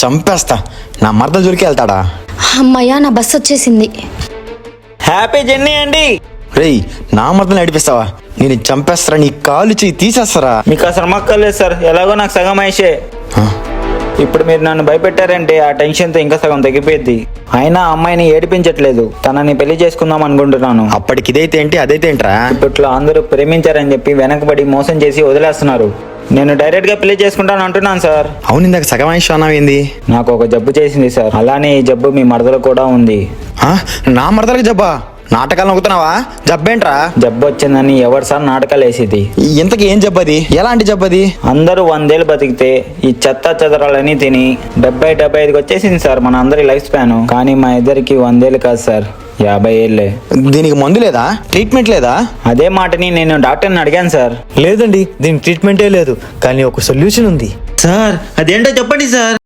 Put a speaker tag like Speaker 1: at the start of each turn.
Speaker 1: చంపేస్తా. నా మరద జోలికి వెళ్తాడా?
Speaker 2: అమ్మయ్యా, నా బస్సు వచ్చేసింది.
Speaker 3: హ్యాపీ జర్నీ అండి.
Speaker 1: రేయ్, నా మరదలు నడిపిస్తావా? నేను చంపేస్తారా, నీ కాలు చెయ్యి తీసేస్తారా?
Speaker 3: మీకు అసలు మక్కర్లేదు సార్, ఎలాగో నాకు సగం అయ్యే. ఇప్పుడు మీరు నన్ను భయపెట్టారంటే ఆ టెన్షన్తో ఇంకా సగం తగ్గిపోయింది. అయినా అమ్మాయిని ఏడిపించట్లేదు, తనని పెళ్లి చేసుకుందాం అనుకుంటున్నాను.
Speaker 1: అప్పటికి ఇదైతే ఏంటి అదైతే ఏంట్రా?
Speaker 3: ఇప్పట్లో అందరూ ప్రేమించారని చెప్పి వెనకబడి మోసం చేసి వదిలేస్తున్నారు. నేను డైరెక్ట్ గా పెళ్లి చేసుకుంటాను అంటున్నాను సార్.
Speaker 1: అవును, ఇందాక సగం ఆయుష్ అన్నావు ఏంది?
Speaker 3: నాకు ఒక జబ్బు చేసింది సార్, అలానే ఈ జబ్బు మీ మరదలు కూడా ఉంది.
Speaker 1: నా మరదలకి జబ్బా? నాటకాలు నొక్కుతున్నావా? జబ్బేంట్రా?
Speaker 3: జబ్బు వచ్చిందని ఎవరు సార్ నాటకాలు వేసేది?
Speaker 1: ఇంతకీ ఏం జబ్బది? ఎలాంటి జబ్బది?
Speaker 3: అందరూ 100 ఏళ్ళు బతికితే ఈ చెత్త చెదరాలని తిని 70-75కి వచ్చేసింది సార్ మన అందరి లైఫ్ స్పాన్. కానీ మా ఇద్దరికి 100 ఏళ్ళు కాదు సార్, 50 ఏళ్ళే.
Speaker 1: దీనికి మందు లేదా? ట్రీట్మెంట్ లేదా?
Speaker 3: అదే మాటని నేను డాక్టర్ని అడిగాను సార్.
Speaker 4: లేదండి, దీనికి ట్రీట్మెంటే లేదు, కానీ ఒక సొల్యూషన్ ఉంది.
Speaker 3: సార్ అదేంటో చెప్పండి సార్.